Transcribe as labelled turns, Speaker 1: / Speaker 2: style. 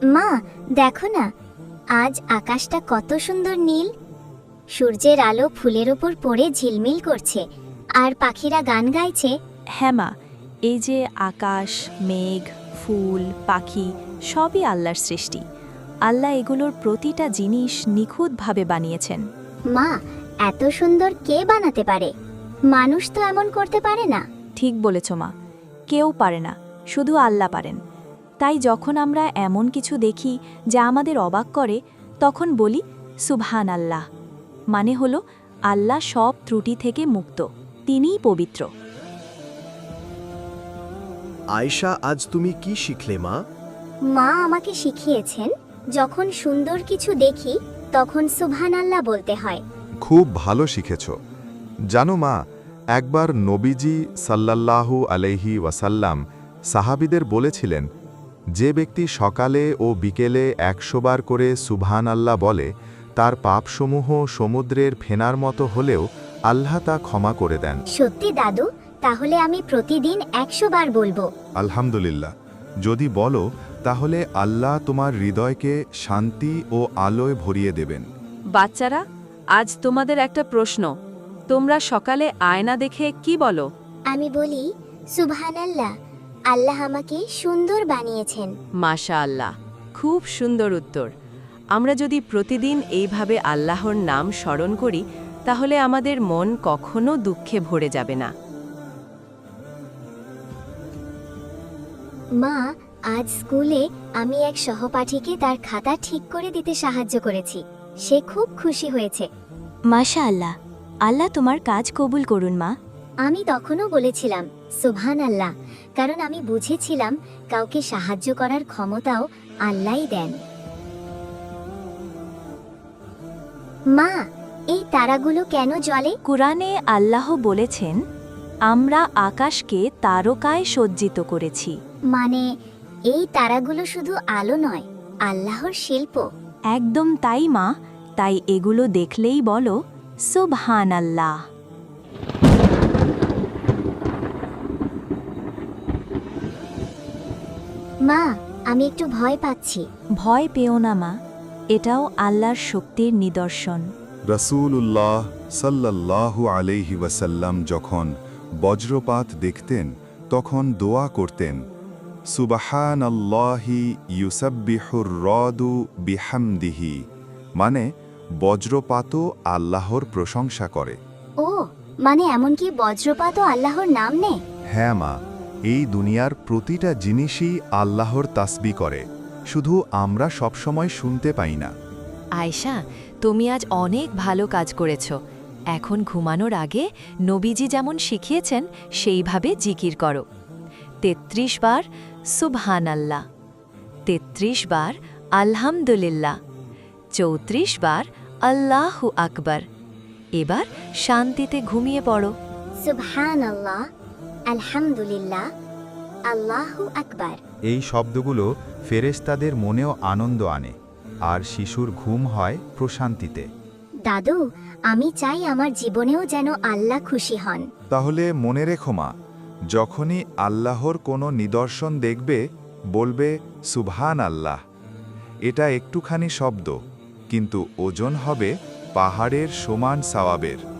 Speaker 1: মা, দেখো না, আজ আকাশটা কত সুন্দর নীল। সূর্যের আলো ফুলের ওপর পড়ে ঝিলমিল করছে, আর পাখিরা গান গাইছে।
Speaker 2: হ্যাঁ মা, এই যে আকাশ, মেঘ, ফুল, পাখি সবই আল্লাহর সৃষ্টি। আল্লাহ এগুলোর প্রতিটা জিনিস নিখুঁতভাবে বানিয়েছেন।
Speaker 1: মা, এত সুন্দর কে বানাতে পারে? মানুষ তো এমন করতে পারে না।
Speaker 2: ঠিক বলেছ মা, কেউ পারে না, শুধু আল্লাহ পারেন। তাই যখন আমরা এমন কিছু দেখি যা আমাদের অবাক করে, তখন বলি সুবহান আল্লাহ। মানে হলো আল্লাহ সব ত্রুটি থেকে মুক্ত, তিনিই পবিত্র।
Speaker 3: আয়েশা, আজ তুমি কি শিখলে মা?
Speaker 1: মা আমাকে শিখিয়েছেন, যখন সুন্দর কিছু দেখি তখন সুবহানাল্লাহ বলতে হয়।
Speaker 4: খুব ভালো শিখেছ। জানো মা, একবার নবীজি সাল্লাল্লাহু আলাইহি ওয়াসাল্লাম সাহাবীদের বলেছিলেন, যে ব্যক্তি সকালে ও বিকেলে 100 বার করে সুবহান আল্লাহ বলে, তার পাপসমূহ সমুদ্রের ফেনার মতো হলেও আল্লাহ তা ক্ষমা করে দেন।
Speaker 1: সত্যি দাদু, তাহলে আমি প্রতিদিন 100 বার বলবো।
Speaker 4: আলহামদুলিল্লাহ। যদি বলো, তাহলে আল্লাহ তোমার হৃদয়কে শান্তি ও আলোয় ভরিয়ে দেবেন।
Speaker 5: বাচ্চারা, আজ তোমাদের একটা প্রশ্ন। তোমরা সকালে আয়না দেখে কি বলো?
Speaker 1: আমি বলি সুবহানাল্লাহ, আল্লাহ আমাকে সুন্দর বানিয়েছেন।
Speaker 5: মাশাআল্লাহ, খুব সুন্দর উত্তর। আমরা যদি প্রতিদিন এইভাবে আল্লাহর নাম স্মরণ করি, তাহলে আমাদের মন কখনো দুঃখে ভরে যাবে না।
Speaker 1: মা, আজ স্কুলে আমি এক সহপাঠীকে তার খাতা ঠিক করে দিতে সাহায্য করেছি। সে খুব খুশি হয়েছে।
Speaker 2: মাশাআল্লাহ, আল্লাহ তোমার কাজ কবুল করুন মা।
Speaker 1: আমি তখনও বলেছিলাম সুবহানাল্লাহ, কারণ আমি বুঝেছিলাম কাউকে সাহায্য করার ক্ষমতাও আল্লাহই দেন। মা, এই তারাগুলো কেন জ্বলে?
Speaker 2: কুরআনে আল্লাহ বলেছেন, আমরা আকাশকে তারকায় সজ্জিত করেছি।
Speaker 1: মানে এই তারাগুলো শুধু আলো নয়, আল্লাহর শিল্প।
Speaker 2: একদম তাই মা, তাই এগুলো দেখলেই বলো সুবহানাল্লাহ।
Speaker 1: মা, আমি একটু ভয় পাচ্ছি।
Speaker 2: ভয় পেও না মা, এটাও আল্লাহর শক্তির নিদর্শন।
Speaker 4: রাসূলুল্লাহ সাল্লাল্লাহু আলাইহি ওয়াসাল্লাম যখন বজ্রপাত দেখতেন, তখন দোয়া করতেন, সুবহানাল্লাহি ইউসাব্বিহুর রাদু বিহামদিহি। মানে বজ্রপাতও আল্লাহর প্রশংসা করে।
Speaker 1: ও, মানে এমনকি বজ্রপাতও আল্লাহর নাম নেয়?
Speaker 4: হ্যাঁ মা, এই দুনিয়ার প্রতিটা জিনিসই আল্লাহর তাসবিহ করে, শুধু আমরা সবসময় শুনতে পাই না।
Speaker 6: আয়েশা, তুমি আজ অনেক ভালো কাজ করেছ। এখন ঘুমানোর আগে নবীজি যেমন শিখিয়েছেন সেইভাবে জিকির করো। 33 বার সুবহানাল্লাহ, 33 বার আলহামদুলিল্লাহ, 34 বার আল্লাহু আকবার। এবার শান্তিতে ঘুমিয়ে পড়ো।
Speaker 1: সুবহানাল্লাহ, আলহামদুলিল্লাহ, আল্লাহু আকবার।
Speaker 7: এই শব্দগুলো ফেরেশতাদের মনেও আনন্দ আনে, আর শিশুর ঘুম হয় প্রশান্তিতে।
Speaker 1: দাদু, আমি চাই আমার জীবনেও যেন আল্লাহ খুশি হন।
Speaker 4: তাহলে মনে রেখো মা, যখনই আল্লাহর কোনো নিদর্শন দেখবে, বলবে সুবহান আল্লাহ। এটা একটুখানি শব্দ, কিন্তু ওজন হবে পাহাড়ের সমান সওয়াবের।